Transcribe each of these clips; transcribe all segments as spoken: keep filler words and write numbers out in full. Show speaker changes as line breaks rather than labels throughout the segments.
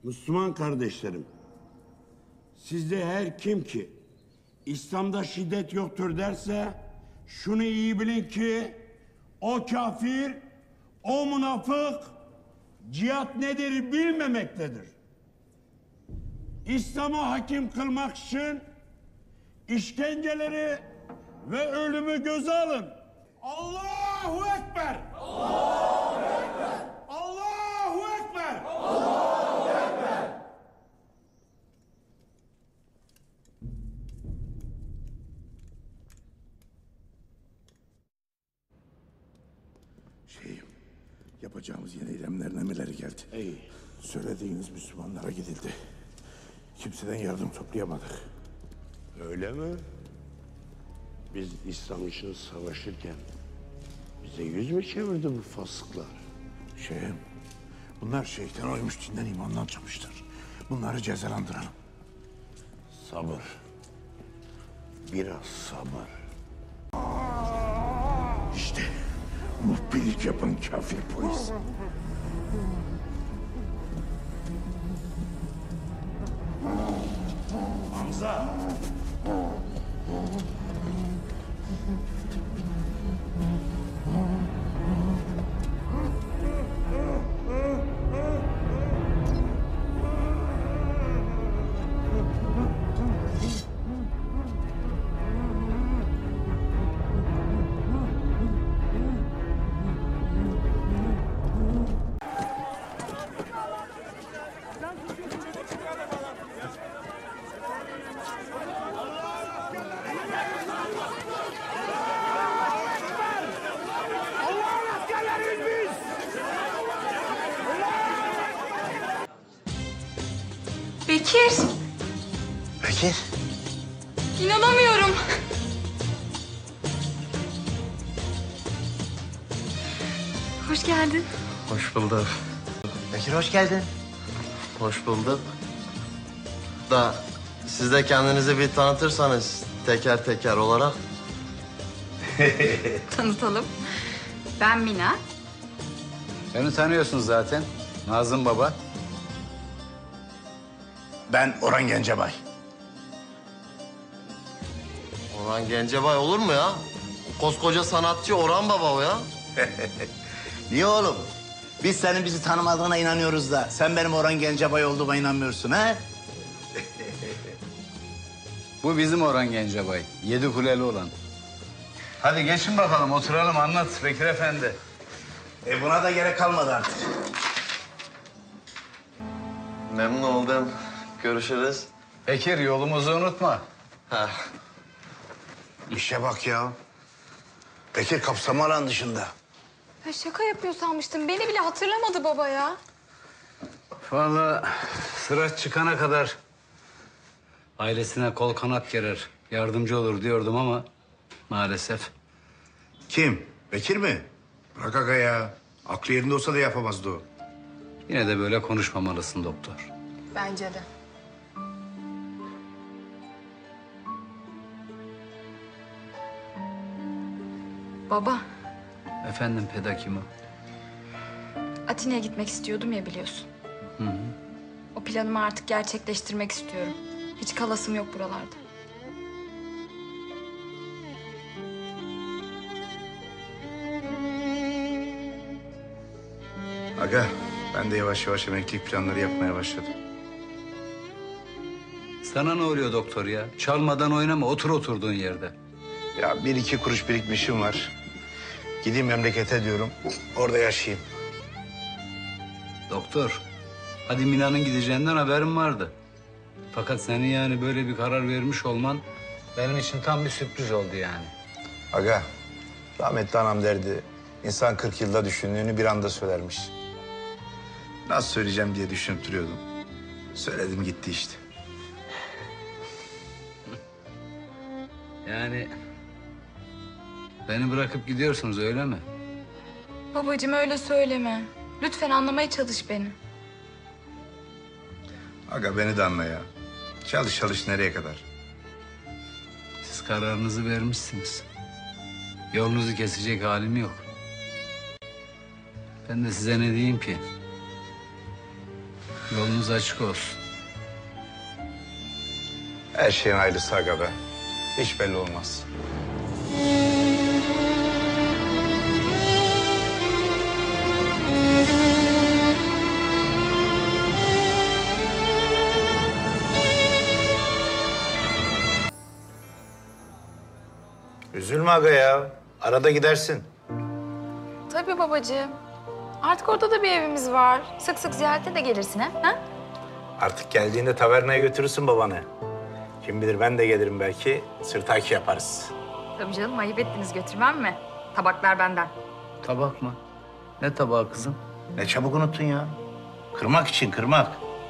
Müslüman kardeşlerim, sizde her kim ki İslam'da şiddet yoktur derse şunu iyi bilin ki o kafir, o münafık cihat nedir bilmemektedir. İslam'ı hakim kılmak için işkenceleri ve ölümü göze alın. Allahu Ekber! Allahu Ekber! Allahu Ekber! Allahu Ekber!
Şeyim, yapacağımız yeni eylemlerin emirleri geldi.
İyi.
Söylediğiniz Müslümanlara gidildi. Kimseden yardım toplayamadık.
Öyle mi? Biz İslam için savaşırken bize yüz mü çevirdi bu fasıklar?
Şeyim, bunlar şeytan oymuş, dinden imandan çıkmıştır. Bunları cezalandıralım.
Sabır. Biraz sabır.
İşte muhbirlik yapan kafir polis.
Hamza!
Bekir,
Bekir.
inanamıyorum. Hoş geldin.
Hoş bulduk. Bekir hoş geldin. Hoş bulduk. Da siz de kendinizi bir tanıtırsanız teker teker olarak.
Tanıtalım. Ben Mina.
Beni tanıyorsunuz zaten. Nazım Baba.
Ben Orhan Gencebay.
Orhan Gencebay olur mu ya? Koskoca sanatçı Orhan Baba o ya.
Niye oğlum? Biz senin bizi tanımadığına inanıyoruz da sen benim Orhan Gencebay olduğuma inanmıyorsun ha?
Bu bizim Orhan Gencebay. Yedi kuleli olan. Hadi geçin bakalım, oturalım, anlat Bekir Efendi.
E buna da gerek kalmadı artık.
Memnun oldum. Görüşürüz.
Bekir, yolumuzu unutma.
Ha.
İşe bak ya. Bekir kapsama alan dışında.
Ya şaka yapıyor sanmıştım. Beni bile hatırlamadı baba ya.
Vallahi sıra çıkana kadar ailesine kol kanat gerer, yardımcı olur diyordum ama maalesef.
Kim? Bekir mi? Bırak aga ya. Aklı yerinde olsa da yapamazdı o.
Yine de böyle konuşmamalısın doktor.
Bence de. Baba,
Efendim Pedakimo.
Atina'ya gitmek istiyordum ya biliyorsun.
Hı hı.
O planımı artık gerçekleştirmek istiyorum. Hiç kalasım yok buralarda.
Aga ben de yavaş yavaş emeklilik planları yapmaya başladım.
Sana ne oluyor doktor ya? Çalmadan oynama, otur oturduğun yerde.
Ya bir iki kuruş birikmişim var. Gideyim memlekete diyorum. Orada yaşayayım.
Doktor, hadi Mina'nın gideceğinden haberim vardı. Fakat senin yani böyle bir karar vermiş olman benim için tam bir sürpriz oldu yani.
Aga, rahmetli anam derdi. İnsan kırk yılda düşündüğünü bir anda söylermiş. Nasıl söyleyeceğim diye düşünüp duruyordum. Söyledim gitti işte.
Yani beni bırakıp gidiyorsunuz öyle mi?
Babacığım öyle söyleme. Lütfen anlamaya çalış beni.
Aga beni de anla ya. Çalış çalış nereye kadar?
Siz kararınızı vermişsiniz. Yolunuzu kesecek halim yok. Ben de size ne diyeyim ki? Yolunuz açık olsun.
Her şeyin hayırlısı aga be. Hiç belli olmaz. Üzülme aga ya. Arada gidersin.
Tabii babacığım. Artık orada da bir evimiz var. Sık sık ziyarete de gelirsin ha? ha?
Artık geldiğinde tavernaya götürürsün babanı. Kim bilir ben de gelirim belki. Sırtaki yaparız.
Tabii canım, ayıp ettiniz, götürmem mi? Tabaklar benden.
Tabak mı? Ne tabağı kızım?
Ne çabuk unuttun ya. Kırmak için kırmak.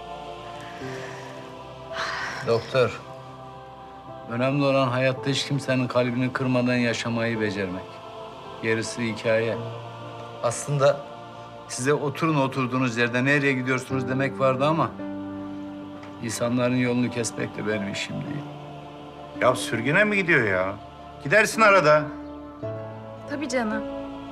Doktor. Önemli olan hayatta hiç kimsenin kalbini kırmadan yaşamayı becermek. Gerisi hikaye. Aslında size oturun oturduğunuz yerde nereye gidiyorsunuz demek vardı ama... ...insanların yolunu kesmek de benim işim değil.
Ya sürgüne mi gidiyor ya? Gidersin arada.
Tabii canım.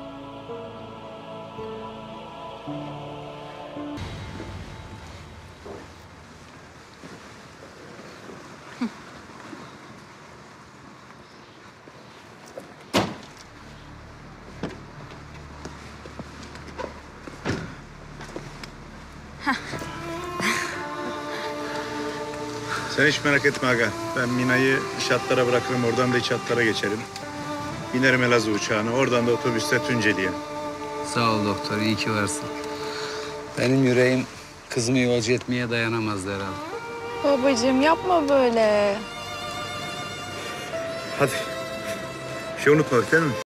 Sen hiç merak etme aga. Ben Mina'yı iç hatlara bırakırım. Oradan da iç hatlara geçerim. Binerim Elazığ uçağına. Oradan da otobüste Tunceli'ye.
Sağ ol doktor, iyi ki varsın. Benim yüreğim kızımı yolcu etmeye dayanamazdı herhalde.
Babacığım yapma böyle.
Hadi. Bir şey unutmadık değil mi?